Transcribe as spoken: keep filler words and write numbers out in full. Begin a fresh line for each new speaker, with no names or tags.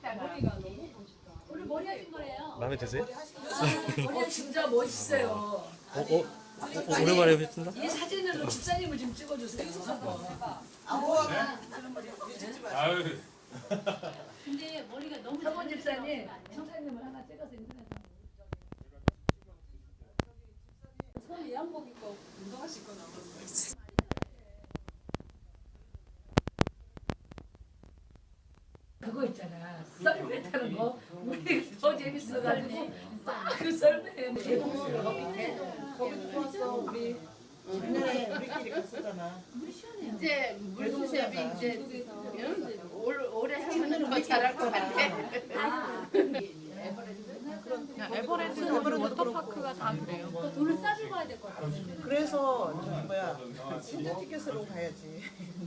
머리가 너무 멋있다.
오늘 머리 하신 거래요.
마음에 드세요?
어 진짜 멋있어요.
어, 어, 어, 오랜만에 뵙습니다.
이 사진으로 집사님을 좀 찍어주세요.
아유.
근데 머리가 너무
서본
잘
집사님,
나오는
집사님을 하나 찍어서 인터넷에.
손 예양복 입고 운동화 신고 나왔는데.
그거 있잖아. 썰매 타는 거. 우리 더 재밌어가지고 막 그 썰매 대부분 거 밑에.
거기 좋았어. 우리 작년에 우리끼리 갔었잖아.
이제 물수세비 이제 올 올해 하면 더 잘할 것 같아.
에버랜드는 오늘 워터파크가 다 그래요.
거 돈을 싸주고 가야 될 것 같아요.
그래서 저기 뭐야 신전 티켓으로 가야지.